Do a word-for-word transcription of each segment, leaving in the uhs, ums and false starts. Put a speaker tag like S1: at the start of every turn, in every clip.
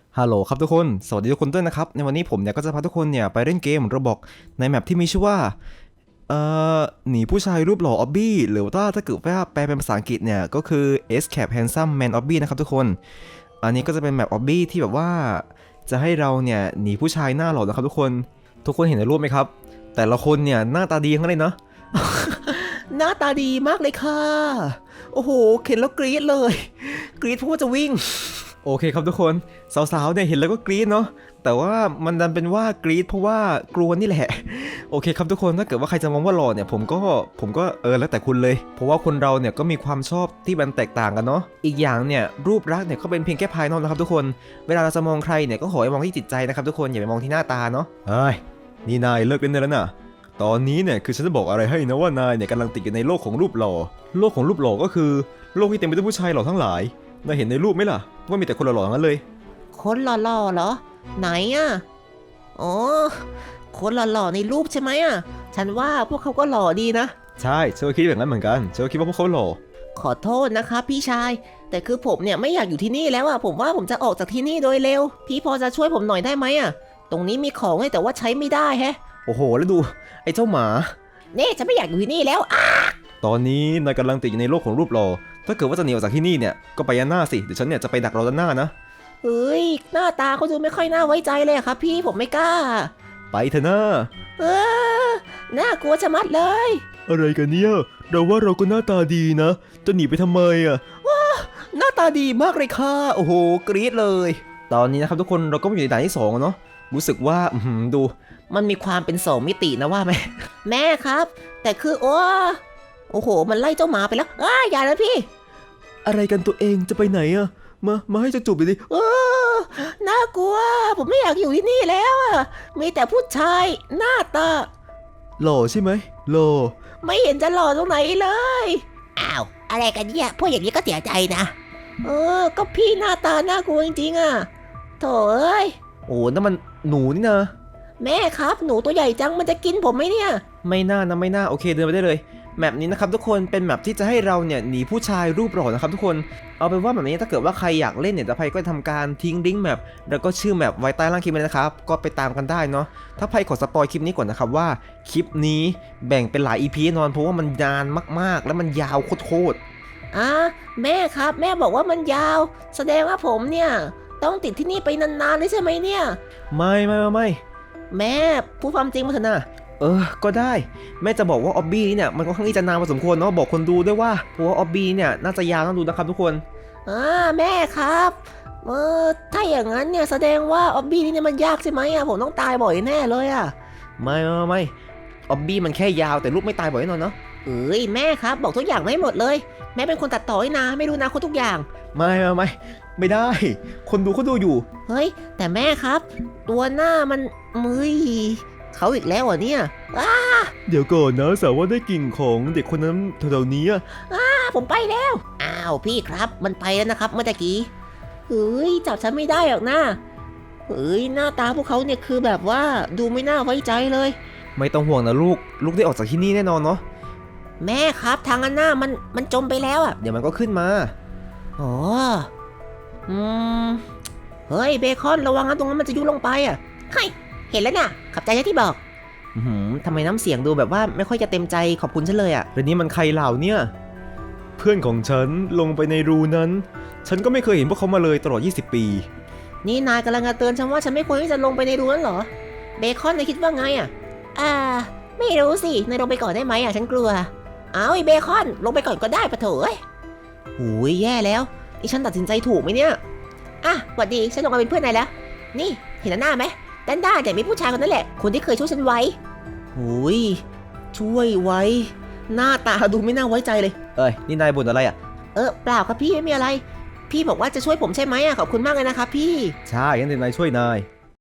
S1: ฮัลโหลครับทุกคนสวัสดีทุกคนด้วยนะครับในวันนี้ผมเนี่ยก็จะพาทุกคนเนี่ยไปเล่นเกมโรบอกในแมปที่มีชื่อว่าเอ่อหนีผู้ชายรูปหล่อออบบี้หรือว่าถ้าเกิดว่าแปลเป็นภาษาอังกฤษเนี่ยก็คือ Escape Handsome Man Obby นะครับทุกคนอันนี้ก็จะเป็นแมปออบบี้ที่แบบว่าจะให้เราเนี่ยหนีผู้ชายหน้าหล่อนะครับทุกคนทุกคนเห็นในรูปไหมครับแต่ละคนเนี่ยหน้าตาดีทั้งนั้นเลยเนาะ หน้าตาดีมากเลยค่ะโอ้โหเห็นแล้วกรี๊ดเลยกรี๊ดเพราะว่าจะวิ่งโอเคครับทุกคนสาวๆเนี่ยเห็นแล้วก็กรี๊ดเนาะแต่ว่ามันดันเป็นว่ากรี๊ดเพราะว่ากลัวนี่แหละโอเคครับทุกคนถ้าเกิดว่าใครจะมองว่าหล่อเนี่ยผมก็ผมก็เออแล้วแต่คุณเลยเพราะว่าคนเราเนี่ยก็มีความชอบที่มันแตกต่างกันเนาะอีกอย่างเนี่ยรูปลักษณ์เนี่ยก็เป็นเพียงแค่ภายนอกนะครับทุกคนเวลาเราจะมองใครเนี่ยก็ขอให้มองที่จิตใจนะครับทุกคนอย่าไปมองที่หน้าตาเนาะเฮ้ยนี่นายเลิกเล่นได้แล้วนะตอนนี้เนี่ยคือฉันจะบอกอะไรให้นะว่านายเนี่ยกำลังติดอยู่ในโลกของรูปหล่อโลกของรูปหล่อก็คือโลกที่เต็มไปด้วยผู้ชายหล่อทั้งหลายนายเห็นในรูปไหมล่ะว่ามีแต่คนหล่อๆทั้งนั้นเลย
S2: คนหล่อๆเหรอไหนอ่ะอ๋อคนหล่อๆในรูปใช่ไหมอ่ะฉันว่าพวกเขาก็หล่อดีนะ
S1: ใช่ฉันก็คิดแบบนั้นเหมือนกันฉันก็คิดว่าพวกเขาหล่อ
S2: ขอโทษนะคะพี่ชายแต่คือผมเนี่ยไม่อยากอยู่ที่นี่แล้วอ่ะผมว่าผมจะออกจากที่นี่โดยเร็วพี่พอจะช่วยผมหน่อยได้ไหมอ่ะตรงนี้มีของเลยแต่ว่าใช้ไม่ได้แฮะ
S1: โอ้โหแล้วดูไอ้เจ้าหมา
S2: เน่ฉันไม่อยากอยู่ที่นี่แล้วอ่ะ
S1: ตอนนี้นายกำลังติดอยู่ในโลกของรูปหล่อถ้าเกิดว่าจะหนีออกจากที่นี่เนี่ยก็ไปยันหน้าสิเดี๋ยวฉันเนี่ยจะไปดักรอด้านหน้านะ
S2: เฮ้ยหน้าตาเขาดูไม่ค่อยน่าไว้ใจเลยอะครับพี่ผมไม่กล้า
S1: ไปเถอะนะ
S2: เออน่ากลัวชะมัดเลย
S1: อะไรกันเนี่ยเราว่าเราก็หน้าตาดีนะจะหนีไปทำไมอ่ะหน้าตาดีมากเลยค่ะโอ้โหกรี๊ดเลยตอนนี้นะครับทุกคนเราก็มาอยู่ในด่านที่สองเนาะรู้สึกว่าอืมดู
S2: มันมีความเป็นสองมิตินะว่าไหม แม่ครับ แต่คือโอ้โอ้โห มันไล่เจ้าหมาไปแล้วอ้าอย่านะพี่
S1: อะไรกันตัวเองจะไปไหนอะมามาให้จะจูบไปดิ
S2: เออน่ากลัว ผมไม่อยากอยู่ที่นี่แล้วอ่ะมีแต่ผู้ชายหน้าตา
S1: หล่อใช่ไหมหล่อ
S2: ไม่เห็นจะหล่อตรงไหนเลยอ้าวอะไรกันเนี่ยพวกอย่างนี้ก็เสียใจนะเออก็พี่หน้าตาน่ากลัวจริงๆอ่ะโถ่เอ้ย
S1: โอ้นั่นมันหนูนี่นะ
S2: แม่ครับหนูตัวใหญ่จังมันจะกินผมไหมเนี่ย
S1: ไม่น่านะไม่น่าโอเคเดินไปได้เลยแมปนี้นะครับทุกคนเป็นแมปที่จะให้เราเนี่ยหนีผู้ชายรูปหล่อนะครับทุกคนเอาเป็นว่าแบบนี้ถ้าเกิดว่าใครอยากเล่นเนี่ยจะไพก็ทำการทิ้งลิงก์แมปแล้วก็ชื่อแมปไว้ใต้ล่างคลิปเลยนะครับก็ไปตามกันได้เนาะถ้าไพขอสปอยคลิปนี้ก่อนนะครับว่าคลิปนี้แบ่งเป็นหลาย อี พี แน่นอนเพราะว่ามันนานมากๆ แล้วมันยาวโคตร
S2: อ่ะแม่ครับแม่บอกว่ามันยาวแสดงว่าผมเนี่ยต้องติดที่นี่ไปนานๆเลยใช่ไหมเนี่ย
S1: ไม่ไม่ไม่ไม่
S2: แม่พูดความจริงมาเถอะนะ
S1: เออก็ได้แม่จะบอกว่าออบบี้เนี่ยมันก็ค่อนข้างที่จะนานพอสมควรเนาะบอกคนดูด้วยว่าเพราะว่าออบบี้เนี่ยน่าจะยาวต้องดูนะครับทุกคน
S2: อ่าแม่ครับเออถ้าอย่างนั้นเนี่ยแสดงว่าออบบี้นี่เนี่ยมันยากใช่ไหมอ่ะผมต้องตายบ่อยแน่เลยอ่ะ
S1: ไม่ไม่ไม่ออบบี้มันแค่ยาวแต่ลูกไม่ตายบ่อยแน่นอนเนาะ
S2: เอ้ยแม่ครับบอกทุกอย่างไม่หมดเลยแม่เป็นคนตัดต่อให้นะไม่รู้นะคนทุกอย่าง
S1: ไม่ไม่ไม่ไม่ได้ คนดูเขาดูอยู่
S2: เฮ้ยแต่แม่ครับ ตัวหน้ามันมือเขาอีกแล้วเหรอเนี่ยอ้า
S1: เดี๋ยวก่อนนะสาวว่าได้กลิ่นของเด็กคนนั้นแถวๆนี้อ่ะ
S2: อ้าผมไปแล้วอ้าวพี่ครับมันไปแล้วนะครับเมื่อกี้เฮ้ยจับฉันไม่ได้หรอกนะเฮ้ยหน้าตาพวกเขาเนี่ยคือแบบว่าดูไม่น่าไว้ใจเลย
S1: ไม่ต้องห่วงนะลูกลูกได้ออกจากที่นี่แน่นอนเนาะ
S2: แม่ครับทางอันหน้ามันมันจมไปแล้วอ่ะ
S1: เดี๋ยวมันก็ขึ้นมา
S2: อ๋ออืมเฮ้ยเบคอนระวังนะตรงนั้นมันจะยุบลงไปอ่ะเฮ้ยเห็นแล้วน่ะขับใจที่บอก
S1: อืมทำไมน้ำเสียงดูแบบว่าไม่ค่อยจะเต็มใจขอบคุณฉันเลยอ่ะเรื่องนี้มันใครเหล่าเนี่ยเพื่อนของฉันลงไปในรูนั้น ฉันก็ไม่เคยเห็นพวกเขามาเลยตลอดยี่สิบปี
S2: นี่นายกำลังจะเตือนฉันว่าฉันไม่ควรที่จะลงไปในรูนั้นเหรอเบคอนนายคิดว่าไงอ่ะอ่าไม่รู้สินายลงไปก่อนได้ไหมอ่ะฉันกลัวเอาไอ้เบคอนลงไปก่อนก็ได้ปะเถอะโอ้ยแย่แล้วนี่ฉันตัดสินใจถูกไหมเนี่ยอ่ะสวัสดีฉันลงมาเป็นเพื่อนนายแล้วนี่เห็นหน้าไหมด้านด้านแต่มีผู้ชายคนนั้นแหละคนที่เคยช่วยฉันไว้โอ้ยช่วยไว้หน้าตาดูไม่น่าไว้ใจเลย
S1: เอ้ยนี่นายบ่นอะไรอ่ะ
S2: เออเปล่าครับพี่ไม่มีอะไรพี่บอกว่าจะช่วยผมใช่ไหมอ่ะขอบคุณมากเลยนะครับพี่
S1: ใช่งั้นเดี๋ยวนายช่วยนาย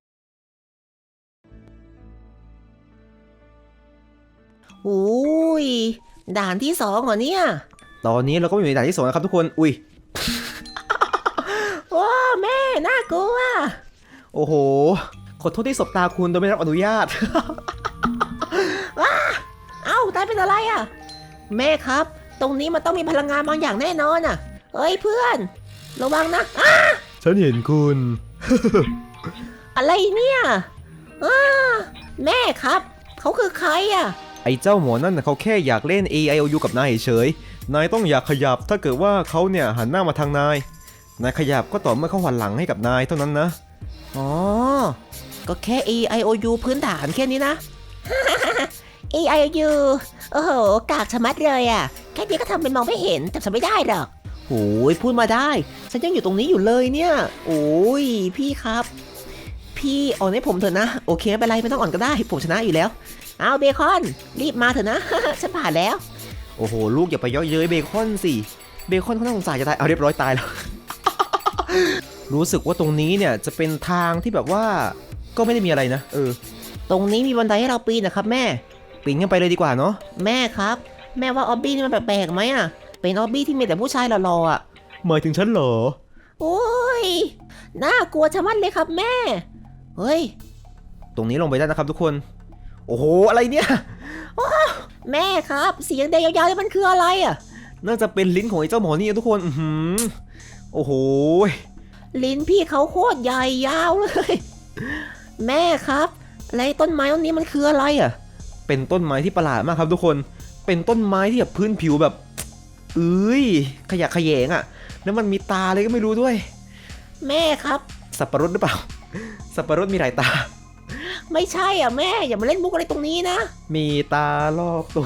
S2: โอ้ยด่านที่สองเหรอเนี่ย
S1: ตอนนี้เราก็อยู่ในด่านที่สองนะครับทุกคนอุ้ย
S2: ว้าแม่น่ากลัว
S1: โอ้โหขอโทษที่สบตาคุณโดยไม่รับอนุญาต
S2: ว้าเอ้าตายเป็นอะไรอ่ะแม่ครับตรงนี้มันต้องมีพลังงานบางอย่างแน่นอนอ่ะเฮ้ยเพื่อนระวังนะ
S1: ฉันเห็นคุณ
S2: อะไรเนี่ยอ้าแม่ครับเขาคือใครอ่ะ
S1: ไอ้เจ้าหมอนั่นน่ะเขาแค่อยากเล่น เอ ไอ โอ ยู กับนายเฉยๆนายต้องอยากขยับถ้าเกิดว่าเขาเนี่ยหันหน้ามาทางนายนายขยับก็ต่อเมื่อเขาหันหลังให้กับนายเท่านั้นนะ
S2: อ๋อ ก็แค่ A I O U พื้นฐานแค่นี้นะ A I O U โอ้โห กากชะมัดเลยอ่ะ แค่นี้ก็ทำเป็นมองไม่เห็นแต่ฉันไม่ได้หรอกโอ้ยพูดมาได้ ฉันยังอยู่ตรงนี้อยู่เลยเนี่ย โอ้ยพี่ครับ พี่อ่อนให้ผมเถอะนะ โอเคไม่เป็นไรไม่ต้องอ่อนก็ได้ ผมชนะอยู่แล้ว เอาเบคอน รีบมาเถอะนะ ฉันผ่านแล้ว
S1: โอ้โหลูกอย่าไปเย่อเย้ยเบคอนสิเบคอนเขาน่าสงสารจะตายเอาเรียบร้อยตายแล้ว รู้สึกว่าตรงนี้เนี่ยจะเป็นทางที่แบบว่าก็ไม่ได้มีอะไรนะเออ
S2: ตรงนี้มีบันไดให้เราปีนนะครับแม่
S1: ปีนกันไปเลยดีกว่าเนาะ
S2: แม่ครับ แม่ว่าออบบี้นี่มันแปลกๆไหมอ่ะ เป็นออบบี้ที่มีแต่ผู้ชายหล่อๆอ่ะ
S1: หมายถึงฉันเหรอ
S2: โอ้ย น่ากลัวชะมัดเลยครับแม่ เฮ้ย
S1: ตรงนี้ลงไปได้นะครับทุกคนโอ้โหอะไรเนี่ย
S2: แม่ครับ เสียงแดงยาวๆนี่มันคืออะไรอ่ะ
S1: น่าจะเป็นลิ้นของไอ้เจ้าหมอนี่ทุกคนอือหือโอ้โห
S2: ลิ้นพี่เขาโคตรใหญ่ยาวเลย แม่ครับอะไรต้นไม้ต้นนี้มันคืออะไรอ่ะ
S1: เป็นต้นไม้ที่ประหลาดมากครับทุกคน เป็นต้นไม้ที่แบบพื้นผิวแบบเอ้ยขยะแขยงอะ่ะ แล้วมันมีตาเลยก็ไม่รู้ด้วย
S2: แม่ครับ
S1: สับปะรดหรือเปล่า สับปะรดมีหลายตา
S2: ไม่ใช่อ่ะแม่อย่ามาเล่นมุกอะไรตรงนี้นะ
S1: มีตารอบตัว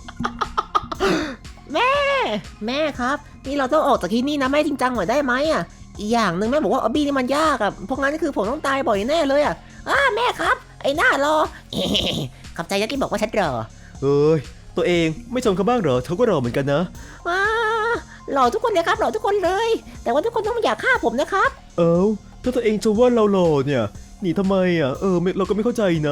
S2: แม่ แม่ครับ นี่เราต้องออกจากที่นี่นะแม่จริงจังหน่อยได้ไหมอ่ะ อีกอย่างหนึ่งแม่บอกว่าออบบี้นี่มันยากอ่ะเพราะงั้นคือผมต้องตายบ่อยแน่เลยอ่ะอ้าแม่ครับ ไอ้หน้ารอ ขอบใจนะที่บอกว่าฉันรอ
S1: เอ้ยตัวเองไม่ชมเขาบ้างเหรอเขาก็รอเหมือนกันนะ
S2: ว้าหล่อทุกคนเลยครับหล่อทุกคนเลย แต่ว่าทุกคนต้องอย่าฆ่าผมนะครับ
S1: เอ้าถ้าตัวเองจะว่าเราหล่อเนี่ยหนีทำไมอ่ะเออเราก็ไม่เข้าใจนะ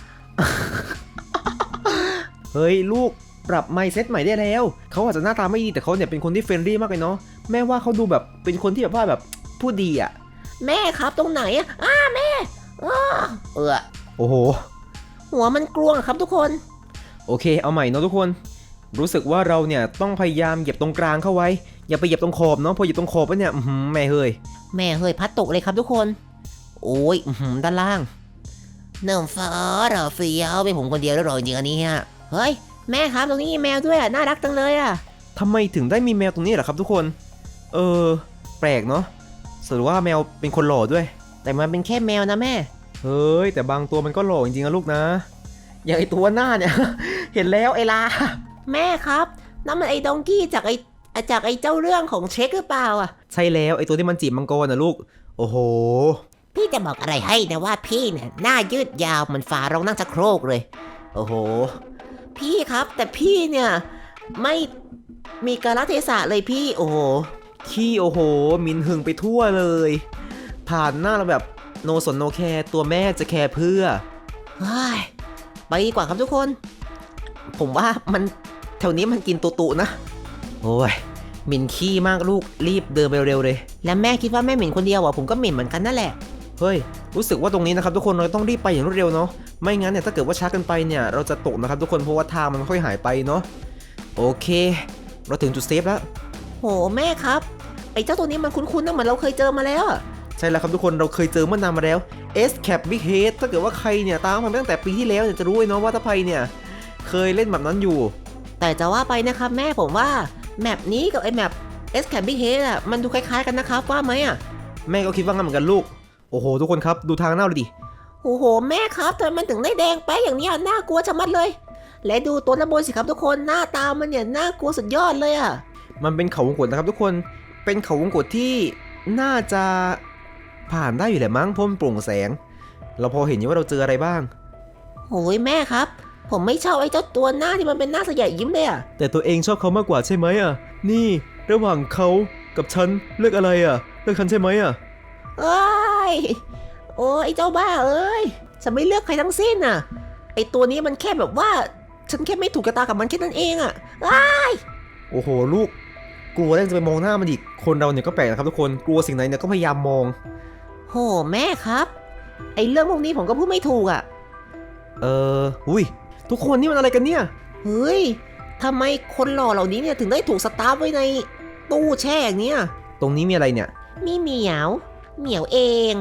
S1: เฮ้ยลูกปรับไมซ์เซ็ตใหม่ได้แล้วเขาอาจจะหน้าตาไม่ดีแต่เขาเนี่ยเป็นคนที่เฟรนลี่มากเลยเนาะแม่ว่าเขาดูแบบเป็นคนที่แบบว่าแบบพูดดีอ่ะ
S2: แม่ครับตรงไหนอ่ะอ้าแม่อ้าเออ
S1: โอ้โห
S2: หัวมันกลวงครับทุกคน
S1: โอเคเอาใหม่เนาะทุกคนรู้สึกว่าเราเนี่ยต้องพยายามเหยียบตรงกลางเข้าไว้อย่าไปเหยียบตรงขอบเนาะพอเหยียบตรงขอบแล้วเนี่ยอื้อหือแม่เฮ้ย
S2: แม่เฮ้ยพัดตกเลยครับทุกคน โอ้ยอื้อหือด้านล่างเนิ่มฟ้าเหรอเฟี้ยวเป็นผมคนเดียวแล้วเหรอจริงๆอันนี้ฮะเฮ้ยแม่ครับตรงนี้มีแมวด้วยอ่ะน่ารักจังเลยอ่ะ
S1: ทำไมถึงได้มีแมวตรงนี้เหรอครับทุกคน เออ แปลกเนาะสรุปว่าแมวเป็นคนหล่อด้วย
S2: แต่มันเป็นแค่แมวนะแม่
S1: เฮ้ยแต่บางตัวมันก็หล่อจริงๆนะลูกนะ อย่างไอตัวหน้าเนี่ย เห็นแล้วไอลา
S2: แม่ครับนั่นมันไอ้ดองกี้จากไอ้จากไอ้เจ้าเรื่องของเช็คหรือเปล่าอ่ะ
S1: ใช่แล้วไอตัวที่มันจีบมังกรนะลูก โอ้โห
S2: พี่จะบอกอะไรให้นะว่าพี่เนี่ยหน้ายืดยาวเหมันฝารองนั่งชักโครกเลย
S1: โอ้โห
S2: พี่ครับแต่พี่เนี่ยไม่มีกาลเทศะเลยพี่โอ้โห
S1: ขี้โอ้โห มินหึงไปทั่วเลย ผ่านหน้าเราแบบโนสนโนแคร์ตัวแม่จะแคร์เพื่อ
S2: เฮ้ยไปดีกว่าครับทุกคน ผมว่ามันแถวนี้มันกินตุตุนะ
S1: โอ้ยหมิ่นขี้มากลูกรีบเดินไปเร็วเลย
S2: แล้วแม่คิดว่าแม่หมิ่นคนเดียวอ่ะผมก็หมิ่นเหมือนกันนั่นแหละ
S1: เฮ้ยรู้สึกว่าตรงนี้นะครับทุกคนเราต้องรีบไปอย่างรวดเร็วเนาะไม่งั้นเนี่ยถ้าเกิดว่าช้าเกันไปเนี่ยเราจะตกนะครับทุกคนเพราะว่าทางมันค่อยหายไปเนาะโอเค เราถึงจุดเซฟแล้ว
S2: โหแม่ครับไอ้เจ้าตัวนี้มันคุ้นๆนะเหมือนเราเคยเจอมาแล้วอะ
S1: ใช่แล้วครับทุกคนเราเคยเจอเมื่อนานมาแล้ว S Cap Big Head ถ้าเกิดว่าใครเนี่ยตามมันตั้งแต่ปีที่แล้วเนี่ยจะรู้เลยเนาะว่าถ้าใครเนี่ยเคยเล่นแบบนั้นอยู่
S2: แต่จะว่าไปนะครับแม่ผมว่าแมปนี้กับไอ้แมป S Cabby Head อ่ะมันดูคล้ายๆกันนะครับว่าไหมอ่ะ
S1: แม่ก็คิดว่างั้นเหมือนกันลูกโอ้โหทุกคนครับดูทางหน้าเลยดิ
S2: โอ้โหแม่ครับทำไมมันถึงได้แดงไปอย่างเนี้ยน่ากลัวชะมัดเลย และดูตัวระบนสิครับทุกคนหน้าตามันเนี่ยน่ากลัวสุดยอดเลยอ่ะ
S1: มันเป็นเขาวงกตนะครับทุกคนเป็นเขาวงกตที่น่าจะผ่านได้อยู่แหละมั้งเพราะมันโปร่งแสง เราพอเห็นอยู่ว่าเราเจออะไรบ้าง
S2: โอ้ยแม่ครับ ผมไม่ชอบไอ้เจ้าตัวหน้าที่มันเป็นหน้าสยายยิ้มเลยอ่ะ
S1: แต่ตัวเองชอบเขามากกว่าใช่ไหมอ่ะนี่ระหว่างเขากับฉันเลือกอะไรอ่ะเลือกฉันใช่ไหมอ่ะ
S2: เอ้ยโอ้ยไอ้เจ้าบ้าเอ้ยฉันไม่เลือกใครทั้งสิ้นอ่ะไอ้ตัวนี้มันแค่แบบว่าฉันแค่ไม่ถูกกระตากับมันแค่นั้นเองอ่ะอ้าย
S1: โอ้โหลูกกลัวแล้วจะไปมองหน้ามันอีกคนเราเนี่ยก็แปลกนะครับทุกคนกลัวสิ่งไหนเนี่ยก็พยายามมอง
S2: โหแม่ครับไอ้เรื่องพวกนี้ผมก็พูดไม่ถูกอ่ะ
S1: เอออุ้ยทุกคนนี่มันอะไรกันเนี่ย
S2: เฮ้ยทำไมคนหล่อเหล่านี้เนี่ยถึงได้ถูกสตาร์ฟไว้ในตู้แช่อย่างเนี้ย
S1: ตรงนี้มีอะไรเนี่ย
S2: มีเหมียว เหมียวเอง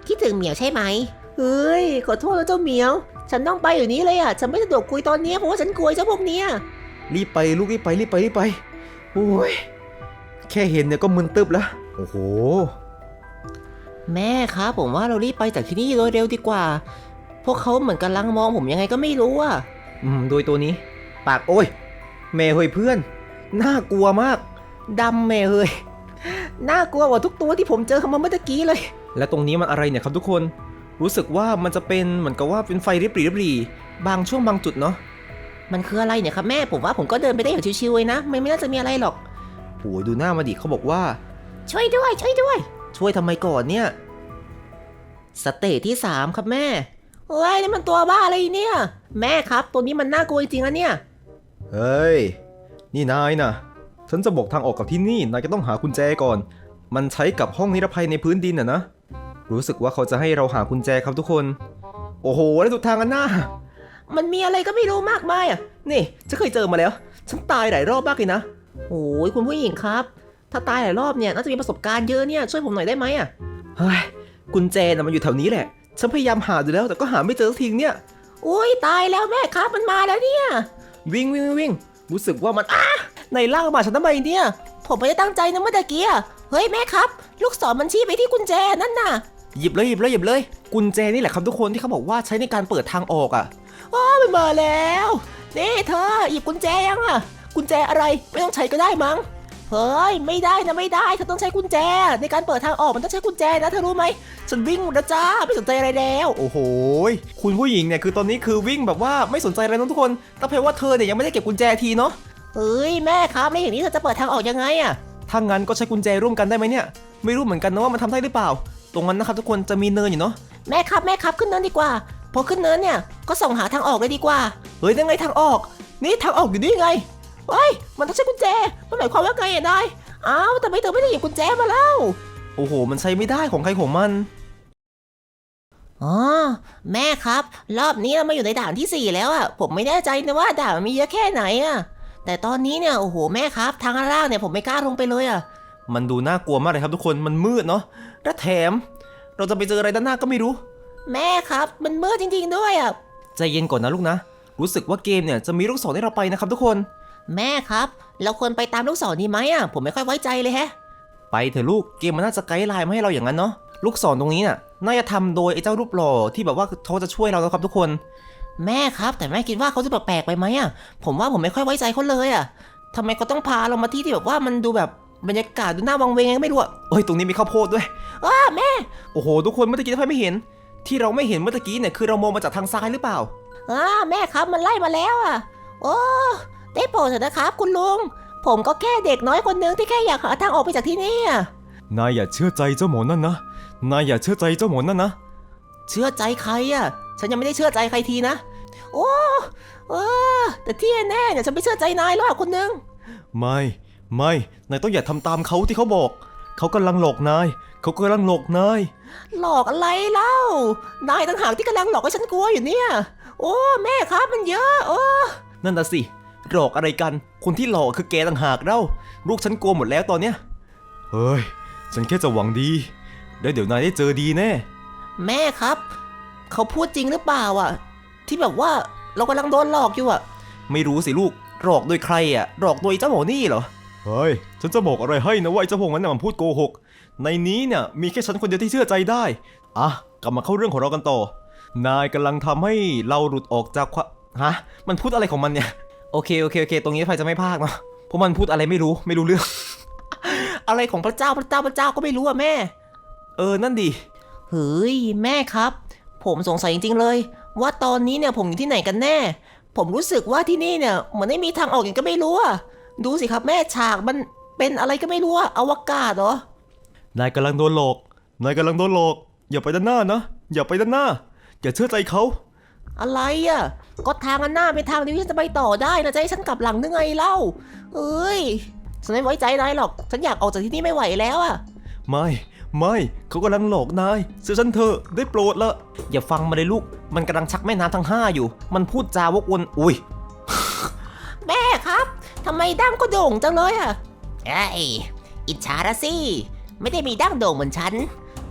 S2: คิดถึงเหมียวใช่ไหมเฮ้ยขอโทษนะเจ้าเหมียวฉันต้องไปอยู่นี้เลยอ่ะฉันไม่สะดวกคุยตอนนี้เพราะว่าฉันกลัวเจ้าพวกเนี้ย
S1: รีบไปลูกรีบไปรีบไปรีบไปโอ้ยแค่เห็นเนี่ยก็มึนตึบแล้วโอ้โห
S2: แม่ครับผมว่าเรารีบไปจากที่นี่โดยเร็วดีกว่า พวกเขาเหมือนกำลังมองผมยังไงก็ไม่รู้อ่ะ
S1: อืมโดยตัวนี้ ปากโอ้ยแม่เฮ้ยเพื่อนน่ากลัวมาก
S2: ดำแม่เฮ้ยน่ากลัวกว่าทุกตัวที่ผมเจอเข้ามาเมื่อกี้เลย
S1: และตรงนี้มันอะไรเนี่ยครับทุกคนรู้สึกว่ามันจะเป็นเหมือนกับว่าเป็นไฟริบหรี่ริบหรี่บางช่วงบางจุดเนาะ
S2: มันคืออะไรเนี่ยครับแม่ผมว่าผมก็เดินไปได้อย่างชิวๆเลยนะไม่ไม่น่าจะมีอะไรหรอก
S1: โอ้ยดูหน้ามาดิเขาบอกว่า
S2: ช่วยด้วยช่วยด้วย
S1: ช่วยทำไมก่อนเนี่ย
S2: สเตจที่สามครับแม่เฮ้ยนี่มันตัวบ้าอะไรเนี่ย แม่ครับตัวนี้มันน่ากลัวจริงๆนะเนี่ย
S1: เฮ้ยนี่นายนะฉันจะบอกทางออกกับที่นี่นายจะต้องหากุญแจก่อน มันใช้กับห้องนิรภัยในพื้นดินอ่ะนะรู้สึกว่าเขาจะให้เราหากุญแจครับทุกคนโอ้โหแล้วสุดทางกันหน้า
S2: มันมีอะไรก็ไม่รู้มากมายอ่ะ
S1: นี่ฉันเคยเจอมาแล้ว ฉันตายหลายรอบมากเลยนะ
S2: โอ้ยคุณผู้หญิงครับ ถ้าตายหลายรอบเนี่ยน่าจะมีประสบการณ์เยอะเนี่ยช่วยผมหน่อยได้ไหมอ่ะ
S1: เฮ้ยกุญแจน่ะมันอยู่แถวนี้แหละ ฉันพยายามหาดูแล้วแต่ก็หาไม่เจอสักทีเนี่ย
S2: อุ้ยตายแล้วแม่ครับมันมาแล้วเนี่ย
S1: วิ่งวิ่งวิ่งรู้สึกว่ามันอ้าในล่างมาฉันทำไมเนี่ย
S2: ผมไม่ได้ตั้งใจนะเมื่อกี้อะเฮ้ยแม่ครับ ลูกศรมันชี้ไปที่กุญแจนั่นน่ะ
S1: หยิบเลยหยิบเลยหยิบเลย กุญแจนี่แหละครับทุกคนที่เขาบอกว่าใช้ในการเปิดทางออกอ่ะ
S2: อ้าวมันมาแล้วนี่เธอหยิบกุญแจยังอ่ะกุญแจอะไรไม่ต้องใช้ก็ได้มั้งเฮ้ยไม่ได้นะไม่ได้เธอต้องใช้กุญแจในการเปิดทางออกมันต้องใช้กุญแจนะเธอรู้ไหมฉันวิ่งหมดแล้วจ้าไม่สนใจอะไรแล้ว
S1: โอ้โหคุณผู้หญิงเนี่ยคือตอนนี้คือวิ่งแบบว่าไม่สนใจอะไรนะทุกคนแต่เพราะว่าเธอเนี่ยยังไม่ได้เก็บกุญแจทีเนาะ
S2: เฮ้ยแม่ครับแล้วอย่างนี้เธอจะเปิดทางออกยังไงอ่ะ
S1: ถ้างั้นก็ใช้กุญแจร่วมกันได้ไหมเนี่ยไม่รู้เหมือนกันนะว่ามันทำได้หรือเปล่า ตรงนั้นนะครับทุกคนจะมีเนินอยู่เนาะ
S2: แม่ครับแม่ครับขึ้นเนินดีกว่าพอขึ้นเนินเนี่ยก็ส่องหาทางออกเลยดีกว่า
S1: เฮ้ยยังไงทางออก
S2: นี่ทางออกอยู่นี่ไงเฮ้ยมันต้องใช้กุญแจมันหมายความว่าไงอ่ะนายอ้าวแต่ไม่เธอไม่ได้หยิบกุญแจมาแล้ว
S1: โอ้โห มันใช้ไม่ได้ของใครของมัน
S2: อ๋อแม่ครับรอบนี้เรามาอยู่ในด่านที่สี่แล้วอ่ะผมไม่แน่ใจนะว่าด่านมันมีเยอะแค่ไหนอ่ะแต่ตอนนี้เนี่ยโอ้โหแม่ครับทางล่างเนี่ยผมไม่กล้าลงไปเลยอ่ะ
S1: มันดูน่ากลัวมากเลยครับทุกคนมันมืดเนาะและแถม เราจะไปเจออะไรด้านหน้าก็ไม่รู้
S2: แม่ครับมันมืดจริงๆด้วยอ่ะ
S1: ใจเย็นก่อนนะลูกนะ รู้สึกว่าเกมเนี่ยจะมีลูกศรให้เราไปนะครับทุกคน
S2: แม่ครับเราควรไปตามลูกศรนี้ไหมอ่ะผมไม่ค่อยไว้ใจเลยแฮะ
S1: ไปเถอะลูกเกมมันน่าจะไกด์ไลน์มาให้เราอย่างนั้นเนาะลูกศรตรงนี้น่ะน่าจะทำโดยไอ้เจ้ารูปหล่อที่แบบว่าเขาจะช่วยเราแล้วครับทุกคน
S2: แม่ครับแต่แม่คิดว่าเขาจะแปลกๆไปไหมอ่ะผมว่าผมไม่ค่อยไว้ใจเขาเลยอ่ะทำไมเขาต้องพาเรามาที่ที่แบบว่ามันดูแบบบรรยากาศดูน่าวังเวงยังไม่รู้อ่ะ
S1: เอ้ยตรงนี้มีข้าวโพดด้วย
S2: อ้าแม่
S1: โอ้โหทุกคนเมื่อกี้ถ้าไม่เห็น ที่เราไม่เห็นเมื่อกี้เนี่ยคือเรามองมาจากทางซ้ายหรือเปล่า
S2: อ้าแม่ครับมันไล่มาแล้วอ่ะโอ้ได้โปรดเถอะนะครับคุณลุงผมก็แค่เด็กน้อยคนนึงที่แค่อยากหาทางออกไปจากที่นี่อ่ะ
S1: นายอย่าเชื่อใจเจ้าหมอนั่นนะ นายอย่าเชื่อใจเจ้าหมอนั่นนะ
S2: เชื่อใจใครอ่ะฉันยังไม่ได้เชื่อใจใครทีนะโอ้เออแต่ที่แน่เนี่ยฉันไม่เชื่อใจนายหรอกคนนึง
S1: ไม่ ไม่ นายต้องอย่าทำตามเขาที่เขาบอก เขากำลังหลอกนาย เขากำลังหลอกนาย
S2: หลอกอะไรเล่านายต่างหากที่กำลังหลอกให้ฉันกลัวอยู่เนี่ยโอ้แม่ครับมันเยอะโอ้
S1: นั่นน่ะสิ หลอกอะไรกัน คนที่หลอกคือแกต่างหากเล่าลูกฉันกลัวหมดแล้วตอนเนี้ย เฮ้ย ฉันแค่จะหวังดีแล้วเดี๋ยวนายได้เจอดีแน่
S2: แม่ครับเขาพูดจริงหรือเปล่าอ่ะที่แบบว่าเรากำลังโดนหลอกอยู่อ่ะ
S1: ไม่รู้สิลูก หลอกโดยใครอ่ะ หลอกโดยเจ้าหมอนี่เหรอ เฮ้ย ฉันจะบอกอะไรให้นะว่าไอ้เจ้าพวกนั้นน่ะมันพูดโกหก ในนี้เนี่ยมีแค่ฉันคนเดียวที่เชื่อใจได้ อ่ะ กลับมาเข้าเรื่องของเรากันต่อ นายกำลังทำให้เราหลุดออกจากความฮะ มันพูดอะไรของมันเนี่ย โอเคโอเคโอเค ตรงนี้ไฟจะไม่พากเนาะ เพราะมันพูดอะไรไม่รู้ ไม่รู้เรื่อง
S2: อะไรของพระเจ้าพระเจ้าพระเจ้าก็ไม่รู้อ่ะแม่
S1: เออ นั่นดิ
S2: เฮ้ยแม่ครับ ผมสงสัยจริงๆเลย ว่าตอนนี้เนี่ยผมอยู่ที่ไหนกันแน่ ผมรู้สึกว่าที่นี่เนี่ยเหมือนไม่มีทางออกอย่างก็ไม่รู้อ่ะดูสิครับแม่ฉากมันเป็นอะไรก็ไม่รู้อ่ะอวกาศเหรอ
S1: นายกำลังโดนหลอก นายกำลังโดนหลอก อย่าไปด้านหน้านะ อย่าไปด้านหน้า อย่าเชื่อใจเขา
S2: อะไรอ่ะก็ทางอันหน้าเป็นทางเดียวที่ฉันจะไปต่อได้นะจะให้ฉันกลับหลังนึงไงเล่าเอ้ยฉันไม่ไว้ใจนายหรอกฉันอยากออกจากที่นี่ไม่ไหวแล้วอ่ะ
S1: ไม่ ไม่ เขากำลังหลอกนายเชื่อฉันเถอะได้โปรดละอย่าฟังมาเลยลูก มันกำลังชักแม่น้ำทั้งห้าอยู่ มันพูดจาวกวน อุ้ย
S2: แม่ครับทำไมดั้งก็โด่งจังเลยอ่ะไอ้อิจฉาละสิไม่ได้มีดั้งโด่งเหมือนฉัน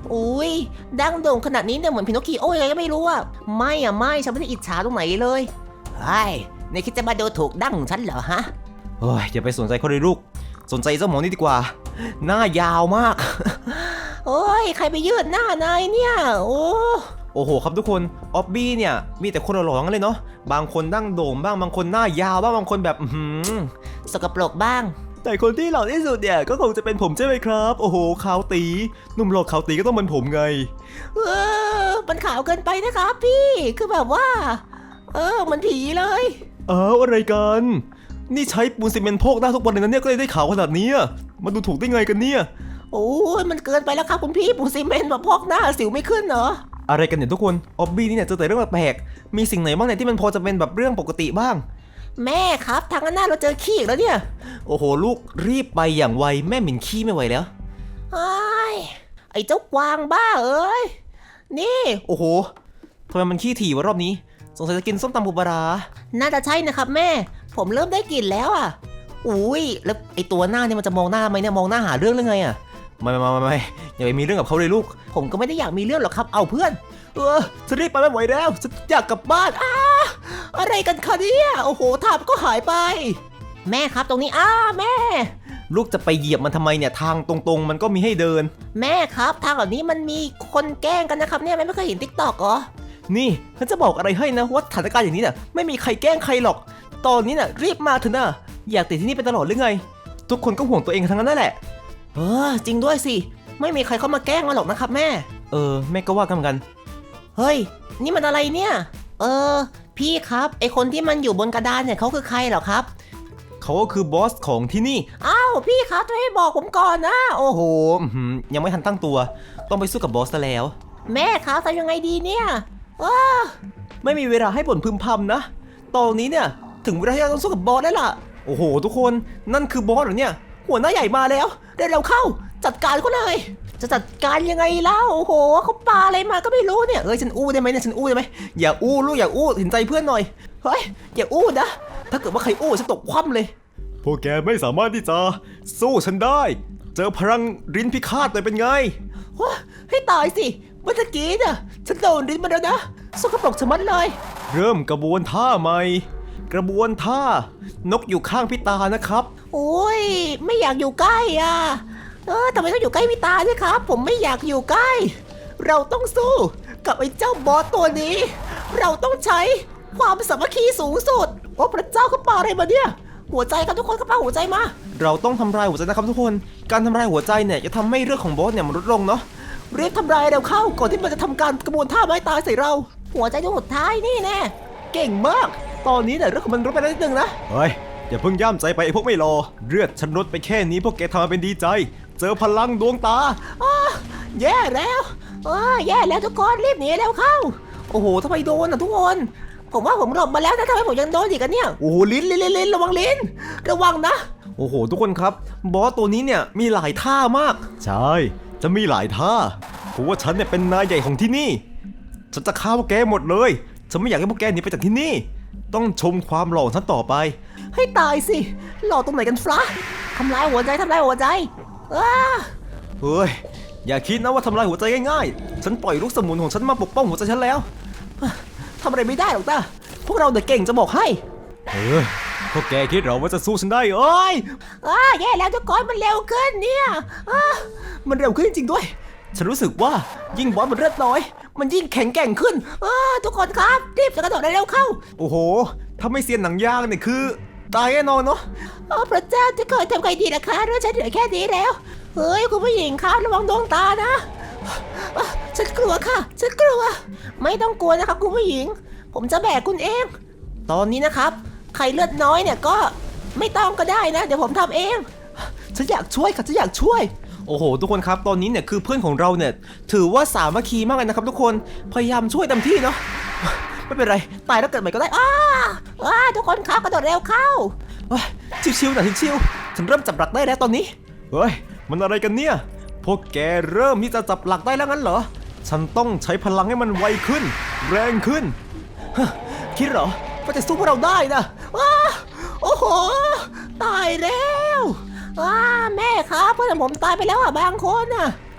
S2: อุ้ยดังโด่งขนาดนี้เนี่ยเหมือนพินอคคิโอ้ยังไงก็ไม่รู้อะไม่อะไม่ฉันไม่ได้อิจฉาตรงไหนเลยไอ้ในคิดจะมาดูถูกดั้งฉันเหรอฮะ
S1: เฮ้ยอย่าไปสนใจเขาเลยลูกสนใจเจ้าหมอนี่ดีกว่าหน้ายาวมาก
S2: โอ้ยใครไปยืดหน้านายเนี่ยโอ้
S1: โอ้โหครับทุกคนออบบี้เนี่ยมีแต่คนหล่อๆกันเลยเนาะบางคนดั้งโด่งบ้างบางคนหน้ายาวบ้างบางคนแบบอื้อหือ
S2: สกปรกบ้าง
S1: แต่คนที่หล่อที่สุดเนี่ยก็คงจะเป็นผมใช่ไหมครับโอ้โหขาวตีหนุ่มหล่อขาวตีก็ต้องเป็นผมไง
S2: เออมันขาวเกินไปนะครับพี่คือแบบว่า เออมันผีเลย
S1: อ้าวอะไรกันนี่ใช้ปูนซีเมนต์โพกหน้าทุกวันเลยนะเนี่ยก็เลยได้ขาวขนาดนี้มันดูถูกได้ไงกันเนี่ย
S2: โอ้ยมันเกินไปแล้วครับคุณพี่ปูซีเมนต์แบบพอกหน้าสิวไม่ขึ้นเหรอ
S1: อะไรกันเนี่ยทุกคนออบบี้นี่เนี่ยเจอแต่เรื่องแปลกๆมีสิ่งไหนบ้างเนี่ยที่มันพอจะเป็นแบบเรื่องปกติบ้าง
S2: แม่ครับทางหน้าเราเจอขี้อีกแล้วเนี่ย
S1: โอ้โหลูกรีบไปอย่างไวแม่หมิ่นขี้ไม่ไหวแล้ว
S2: ไอ้ไอ้เจ้ากวางบ้าเอ้ยนี่
S1: โอ้โหทำไมมันขี้ถี่วะรอบนี้สงสัยจะกินส้มตำปูปลาร้า
S2: น่าจะใช่นะครับแม่ ผมเริ่มได้กลิ่นแล้วอ่ะอุ้ยแล้วไอ้ตัวหน้าเนี่ยมันจะมองหน้าไหมเนี่ยมองหน้าหาเรื่องหรือไงอ่ะ
S1: ไม่ไม่ไม่ไม่อย่าไปมีเรื่องกับเขาเลยลูก
S2: ผมก็ไม่ได้อยากมีเรื่องหรอกครับเอาเพื่อนเออฉันรีบไปไม่ไหวแล้วฉันอยากกลับบ้านอ้าอะไรกันคะเนี่ยโอ้โหถาบก็หายไป แม่ครับตรงนี้อ้าแม่
S1: ลูกจะไปเหยียบมันทำไมเนี่ยทางตรงๆ มันก็มีให้เดิน
S2: แม่ครับทางแบบนี้มันมีคนแกล้งกันนะครับเนี่ยแม่ไม่เคยเห็นติ๊กต็อกเหรอ
S1: นี่ฉันจะบอกอะไรให้นะว่าสถานการณ์อย่างนี้เนี่ยไม่มีใครแกล้งใครหรอก ตอนนี้น่ะรีบมาเถอะนะอยากติดที่นี่ไปตลอดหรือไง ทุกคนก็ห่วงตัวเองทั้งนั้นนั่นแหละ
S2: เออจริงด้วยสิไม่มีใครเข้ามาแกล้งมาหรอกนะครับแม่
S1: เออแม่ก็ว่ากันเหมือนกัน
S2: เฮ้ยนี่มันอะไรเนี่ยเออพี่ครับไอคนที่มันอยู่บนกระดานเนี่ยเขาคือใครเหรอครับ
S1: เขาก็คือบอสของที่นี่
S2: อ้าวพี่ครับช่วยให้บอกผมก่อนนะโอ้โห
S1: โอ้โหอื้อหือยังไม่ทันตั้งตัว ต้องไปสู้กับบอสซะแล้ว
S2: แม่ครับทำยังไงดีเนี่ยว้า
S1: ไม่มีเวลาให้บ่นพึมพำนะ ตอนนี้เนี่ยถึงเวลาที่เราต้องสู้กับบอสแล้วล่ะ โอ้โห ทุกคนนั่นคือบอสเหรอเนี่ย
S2: หัวหน้าใหญ่มาแล้วเร็วๆเข้า จัดการเขาเลย จะจัดการยังไงเล่าโอ้โหเขาปาอะไรมาก็ไม่รู้เนี่ยเอ้ยฉันอู้ได้ไหมเนี่ยฉันอู้ได้ไหมอย่าอู้ลูกอย่าอู้เห็นใจเพื่อนหน่อยเฮ้ยอย่าอู้นะถ้าเกิดว่าใครอู้ฉันตกคว่ำเลย
S1: พวกแกไม่สามารถที่จะสู้ฉันได้ เจอพลังรินพิฆาตเลยเป็นไง
S2: ว้าให้ตายสิเมื่อกี้น่ะฉันโดนรินมาแล้วนะสกปรกชะมัดเลย
S1: เริ่มกระบวนท่าใหม่ กระบวนท่านกอยู่ข้างพี่ตานะครับ
S2: โอ้ยไม่อยากอยู่ใกล้อ่ะเออทำไมต้องอยู่ใกล้พี่ตาด้วยครับ ผมไม่อยากอยู่ใกล้ เราต้องสู้กับไอ้เจ้าบอสตัวนี้ เราต้องใช้ความสามัคคีสูงสุดโอ้พระเจ้าเขาปาอะไรมาเนี่ยหัวใจครับทุกคนเขาปาหัวใจมา
S1: เราต้องทำลายหัวใจนะครับทุกคน การทำลายหัวใจเนี่ยจะทำให้เรื่องของบอสเนี่ยมันลดลงเนาะ
S2: รีบทำลายเร็วเข้าก่อนที่มันจะทำการกระบวนท่าไม้ตายใส่เรา หัวใจดวงสุดท้ายนี่แน่เก่งมาก ตอนนี้เนี่ยเรื่องของมันลดไปแล้วนิดนึงนะ
S1: เฮ้ยอย่าเพิ่งย่ำใจไปไอ้พวกไม่รอเลือดฉันลดไปแค่นี้พวกแกทำมาเป็นดีใจ เจอพลังดวงตา
S2: อ้าแย่แล้วอ้าแย่แล้วทุกคนรีบหนีแล้วเข้า โอ้โหทำไมโดนอ่ะทุกคน ผมว่าผมหลบมาแล้วนะทำไมผมยังโดนอีกกันเนี่ย
S1: โอ้โหลิ้นลิ้นลิ้นลิ้น
S2: ระวังลิ้นระวังนะ
S1: โอ้โหทุกคนครับบอสตัวนี้เนี่ยมีหลายท่ามาก ใช่จะมีหลายท่าเพราะว่าฉันเนี่ยเป็นนายใหญ่ของที่นี่ฉันจะฆ่าพวกแกหมดเลยฉันไม่อยากให้พวกแกหนีไปจากที่นี่ ต้องชมความหล่อของฉันต่อไป
S2: ให้ตายสิหล่อตรงไหนกันฟะทำลายหัวใจทำลายหัวใจอ้า
S1: เฮ้ยอย่าคิดนะว่าทำลายหัวใจง่ายๆฉันปล่อยลูกสมุนของฉันมาปกป้องหัวใจฉันแล้ว
S2: ทำอะไรไม่ได้หรอกนะพวกเราเด็กเก่งจะบอกให้
S1: เออพวกแกคิดเหราว่าจะสู้ฉันได้เอ้ย
S2: อ้าแย่แล้วทุกคนมันเร็วขึ้นเนี่ยอ้ามันเร็วขึ้นจริงๆด้วย
S1: ฉันรู้สึกว่ายิ่งบอสมันเลือดน้อย
S2: มันยิ่งแข็งแกร่งขึ้นอ้าทุกคนครับรีบจะกระโดดเร็วเข้า
S1: โอ้โหถ้าไม่เซียนหนังยางเนี่ยคือตายแน่นอนเนาะ
S2: โอ้พระเจ้าจะเกิดทำไงดีนะคะเรื่องฉันเหลือแค่นี้แล้วเฮ้ยคุณผู้หญิงครับระวังดวงตานะอ่ะฉันกลัวค่ะฉันกลัว ไม่ต้องกลัวนะครับคุณผู้หญิง ผมจะแบกคุณเอง ตอนนี้นะครับใครเลือดน้อยเนี่ยก็ไม่ต้องก็ได้นะ เดี๋ยวผมทำเองฉันอยากช่วยค่ะฉันอยากช่วย
S1: โอ้โหทุกคนครับตอนนี้เนี่ยคือเพื่อนของเราเนี่ยถือว่าสามัคคีมากเลยนะครับทุกคนพยายามช่วยเต็มที่เนาะไม่เป็นไรตายแล้วเกิดใหม่ก็ได้
S2: อ้าอ้าทุกคนครับกระโดดเร็วเข้า
S1: เฮ้ยชิวๆหน่อยชิวๆฉันเริ่มจับหลักได้แล้วตอนนี้เฮ้ยมันอะไรกันเนี่ยพวกแกเริ่มที่จะจับหลักได้แล้วงั้นเหรอฉันต้องใช้พลังให้มันไวขึ้น แรงขึ้นฮะคิดเหรอว่าจะสู้พวกเราได้นะ
S2: ว้าโอ้โหตายแล้วว้าแม่ครับเพื่อนผมตายไปแล้วอ่ะบางคนอ่ะ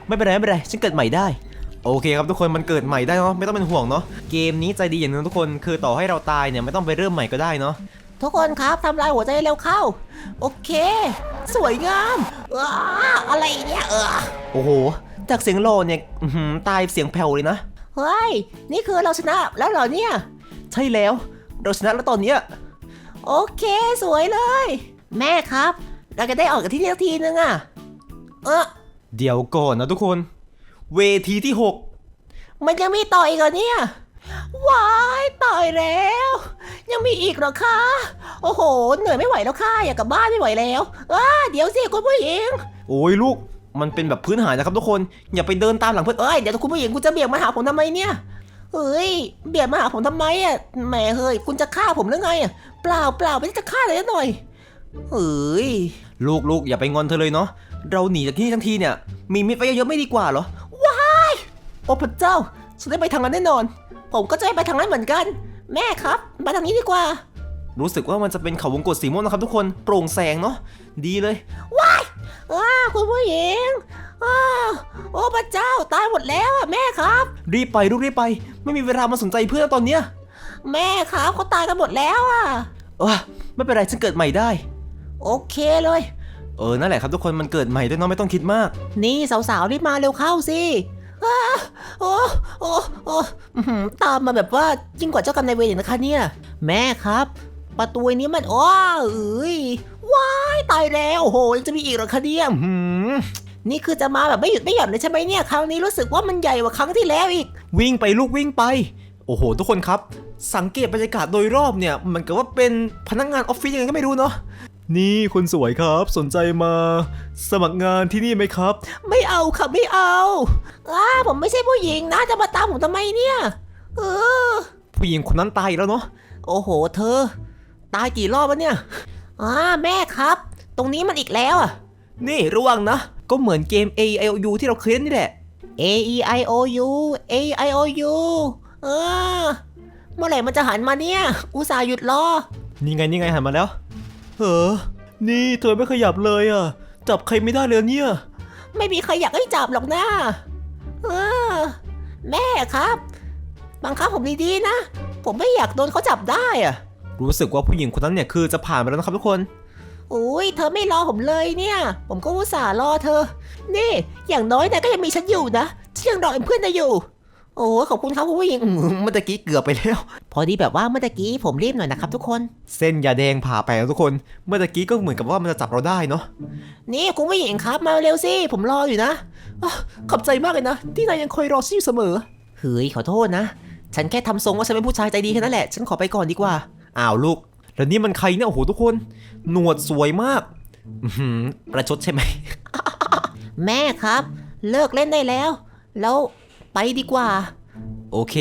S1: ไม่เป็นไรไม่เป็นไรฉันเกิดใหม่ได้โอเคครับทุกคนมันเกิดใหม่ได้เนาะไม่ต้องเป็นห่วงเนาะเกมนี้ใจดีอย่างนึงทุกคนคือต่อให้เราตายเนี่ยไม่ต้องไปเริ่มใหม่ก็ได้เนาะ
S2: ทุกคนครับทำลายหัวใจเร็วเข้าโอเค สวยงามอ้าอะไรเนี่ยเออ
S1: โอ้โหจากเสียงโลเนี่ยอื้อหือตายเสียงแผ่วเลยนะ
S2: เฮ้ยนี่คือเราชนะแล้วเหรอเนี่ย
S1: ใช่แล้วเราชนะแล้วตอนเนี้ย
S2: โอเคสวยเลย แม่ครับ เราจะได้ออกจากที่นี่สักทีนึงอะเออ
S1: เดี๋ยวก่อนนะทุกคนเวทีที่หก
S2: มันยังมีต่ออีกเหรอเนี่ยว้ายตายแล้ว ยังมีอีกเหรอคะโอ้โหเหนื่อยไม่ไหวแล้วค่ะอยากกลับบ้านไม่ไหวแล้วอ้าเดี๋ยวสิคุณผู้หญิง
S1: โอ้ยลูกมันเป็นแบบพื้นฐานนะครับทุกคนอย่าไปเดินตามหลังเพื่อน
S2: เอ้ยเดี๋ยวคุณผู้หญิงคุณจะเบี่ยงมาหาผมทำไมเนี่ยเฮ้ยเบี่ยงมาหาผมทำไมอ่ะแหมเฮ้ยคุณจะฆ่าผมหรือไงอ่ะเปล่าเปล่าไม่ได้จะฆ่าเลยหน่อยเฮ้ย
S1: ลูกลูกอย่าไปงอนเธอเลยเนาะเราหนีจากที่นี่ทั้งทีเนี่ยมีมิตรไว้เยอะๆไม่ดีกว่าเหรอ
S2: โอ้พระเจ้าฉันได้ไปทางนั้นแน่นอน ผมก็จะไปทางนั้นเหมือนกัน แม่ครับมาทางนี้ดีกว่า
S1: รู้สึกว่ามันจะเป็นเขาวงกตสีม่วงนะครับทุกคนโปร่งแสงเนาะดีเลย
S2: อ้าคุณผู้หญิงอ้าโอ้พระเจ้าตายหมดแล้วอ่ะแม่ครับ
S1: รีบไปลูกรีบไปไม่มีเวลามาสนใจเพื่อนตอนเนี้ย
S2: แม่ครับเขาตายกันหมดแล้วอ่ะ
S1: เออไม่เป็นไรฉันเกิดใหม่ได้
S2: โอเคเลย
S1: เออนั่นแหละครับทุกคนมันเกิดใหม่ด้วยเนาะไม่ต้องคิดมาก
S2: นี่สาวๆรีบมาเร็วเข้าสิอ้าโอ้โอ้โอ้อื้อหือตามมาแบบว่ายิ่งกว่าเจ้ากรรมนายเวรอีกนะคะเนี่ยแม่ครับ ประตูนี้มันอ้อเอ้ยว้ายตายแล้วโอ้โหยังจะมีอีกเหรอคะเนี่ย
S1: หืม
S2: นี่คือจะมาแบบไม่หยุดไม่หย่อนเลยใช่ไหมเนี่ยครั้งนี้รู้สึกว่ามันใหญ่กว่าครั้งที่แล้วอีก
S1: วิ่งไปลูกวิ่งไปโอ้โหทุกคนครับสังเกตบรรยากาศโดยรอบเนี่ยมันก็ว่าเป็นพนักงานออฟฟิศยังไงก็ไม่รู้เนาะนี่คนสวยครับสนใจมาสมัครงานที่นี่ไหมครับ
S2: ไม่เอาค่ะไม่เอาอ้าผมไม่ใช่ผู้หญิงนะจะมาตามผมทำไมเนี่ยเออ
S1: ผู้หญิงคนนั้นตายอีกแล้วเนาะ
S2: โอ้โหเธอ ตายกี่รอบแล้วเนี่ยอ่าแม่ครับ ตรงนี้มันอีกแล้วอ่ะ
S1: นี่ระวังนะ ก็เหมือนเกม A I O U ที่เราเคยเล่นนี่แหละ
S2: A E I O U A E I O U เออเมื่อไหร่มันจะหันมาเนี่ย อุตส่าห์หยุดรอ
S1: นี่ไงนี่ไงหันมาแล้วเออนี่เธอไม่ขยับเลยอ่ะจับใครไม่ได้เลยเนี่ย
S2: ไม่มีใครอยากให้จับหรอกนะเออแม่ครับบังคับผมดีๆนะ ผมไม่อยากโดนเขาจับได้อะ
S1: รู้สึกว่าผู้หญิงคนนั้นเนี่ยคือจะผ่านไปแล้วนะครับทุกคน
S2: อุ้ยเธอไม่รอผมเลยเนี่ย ผมก็อุตส่าห์รอเธอ นี่ อย่างน้อยนะก็ยังมีฉันอยู่นะฉันยังรอเป็นเพื่อนเธออยู่ โอ้ขอบคุณครับคุณผู้หญิง
S1: อืมเมื่อตะกี้เกือบไปแล้ว
S2: พอดีแบบว่าเมื่อกี้ผมรีบหน่อยนะครับทุกคน
S1: เส้นยาแดงผ่าไปแล้วทุกคน เมื่อตะกี้ก็เหมือนกับว่ามันจะจับเราได้เนาะ
S2: นี่คุณผู้หญิงครับมาเร็วสิผมรออยู่นะอ้าวขอบใจมากเลยนะ ที่นายยังคอยรอฉันอยู่เสมอเฮ้ยขอโทษนะ ฉันแค่ทำทรงว่าฉันเป็นผู้ชายใจดีแค่นั้นแหละฉันขอไปก่อนดีกว่า
S1: อ้าวลูกแล้วนี่มันใครเนี่ยโอ้โหทุกคนหนวดสวยมากอื้อหือประชดใช่ไหม
S2: แม่ครับ เลิกเล่นได้แล้ว แล้วไปดีกว่า
S1: โอเค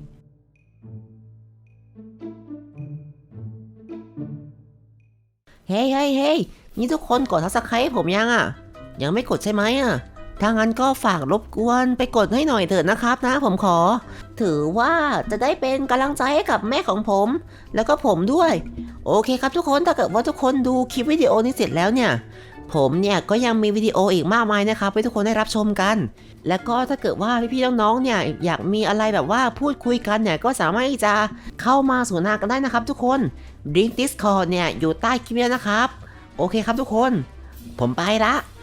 S2: เฮ้ยเฮ้ยเฮ้ยนี่ทุกคนกดซับสไครต์ให้ผมยังอ่ะ ยังไม่กดใช่ไหมอ่ะ ถ้างั้นก็ฝากรบกวนไปกดให้หน่อยเถิดนะครับนะผมขอ ถือว่าจะได้เป็นกำลังใจให้กับแม่ของผม แล้วก็ผมด้วย โอเคครับทุกคนถ้าเกิดว่าทุกคนดูคลิปวิดีโอนี้เสร็จแล้วเนี่ย ผมเนี่ยก็ยังมีวิดีโออีกมากมายนะครับให้ทุกคนได้รับชมกัน แล้วก็ถ้าเกิดว่าพี่ๆน้องๆเนี่ยอยากมีอะไรแบบว่าพูดคุยกันเนี่ยก็สามารถที่จะเข้ามาสนทนากันได้นะครับทุกคนลิงก์ Discord เนี่ยอยู่ใต้คลิปนี้นะครับ โอเคครับทุกคน ผมไปละ